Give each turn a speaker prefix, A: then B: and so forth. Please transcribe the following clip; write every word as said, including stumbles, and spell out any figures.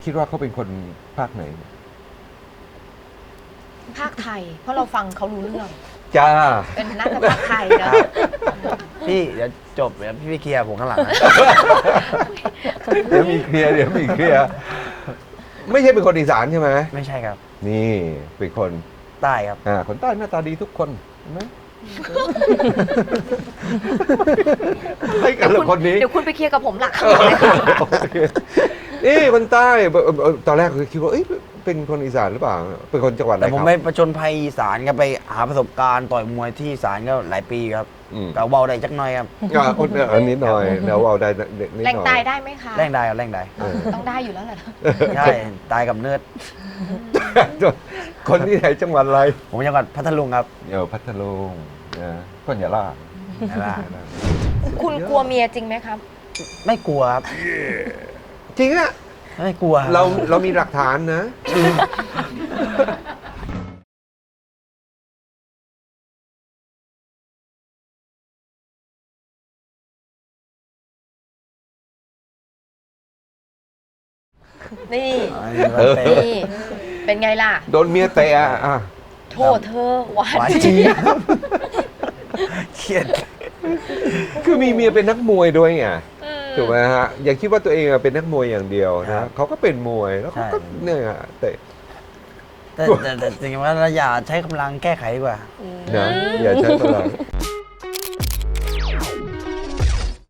A: คิดว่าเขาเป็นคนภาคไหน
B: ภาคไทย เพราะเราฟังเขารู้เรื่อง
A: จ้า
B: เป็นน่าจะภาคไทยนะ
C: พี่เดี๋ยวจบเดี๋ยวพี่ไปเคลียร์ผมข้างหลังนะ
A: เดี๋ยวมีเคลียร์เดี๋ยวมีเคลียร์ไม่ใช่เป็นคนอีสานใช่ไหม
C: ไม่ใช่ครับ
A: นี่เป็นคน
C: ใต้ครับ
A: อ่าคนใต้หน้าตาดีทุกคนเห็นไหมให้กันละคนนี้
B: เดี๋ยวคุณไปเคลียร์กับผมหลักข้างหลังเลยค่ะ
A: โอเคนี่คนใต้เอ่อเอ่อตอนแรกคิดว่าเอ้ยเป็นคนอีสานหรือเปล่าเป็นคนจังหวัดอะไร
C: แต่ผม
A: ครับ
C: ไปประจนภัยอีสานก็ไปหาประสบการณ์ต่อยมวยที่อีสานก็หลายปีครับ
A: อืม
C: ก็เบาได้จักหน่อยครับ
A: อ่าอันนี้หน่อยเดี๋ยวเอาได้นิดหน่อย
B: แรงตายได้ไหมคะ
C: แรงได้ครับแรงได้
A: เออ
B: ต้องได้อยู่แล้วแหละ
C: ใช่ตายกับเนิร์ด
A: คนที่ไหนจังหวัดอะไร
C: ผมจังหวัดพัทลุงครับ
A: เออพัทลุงนะก้นอย่าล่า
C: นั่นแหละ
B: คุณกลัวเมียจริงไหมครับ
C: ไม่กลัวครับ
A: จริงอะ
C: ไม่กลัว
A: เราเรามีหลักฐานนะ
B: นี่
C: เออ
B: นี่ เป็นไงล่ะ
A: โดนเมียเตะอะอ่ะ
B: โทษเธอหวาน
C: หวาน
B: เจี๊
C: เจี๊
B: ย
C: ย
B: บบ
C: เครียด
A: คือมีเมียเป็นนักมวยด้วยไง
B: อืม
A: ถูกไหมฮะอย่าคิดว่าตัวเองอะเป็นนักมวยอย่างเดียว
C: ครั
A: นะ
C: บ
A: เขาก็เป็นมวยแล้วเขาก็
C: ใช่
A: เนี่ยเตะ
C: แต่แต่แต่จริงๆว่าเราอย่าใช้กำลังแก้ไขดีกว่า
A: นะอย่าใช้พลัง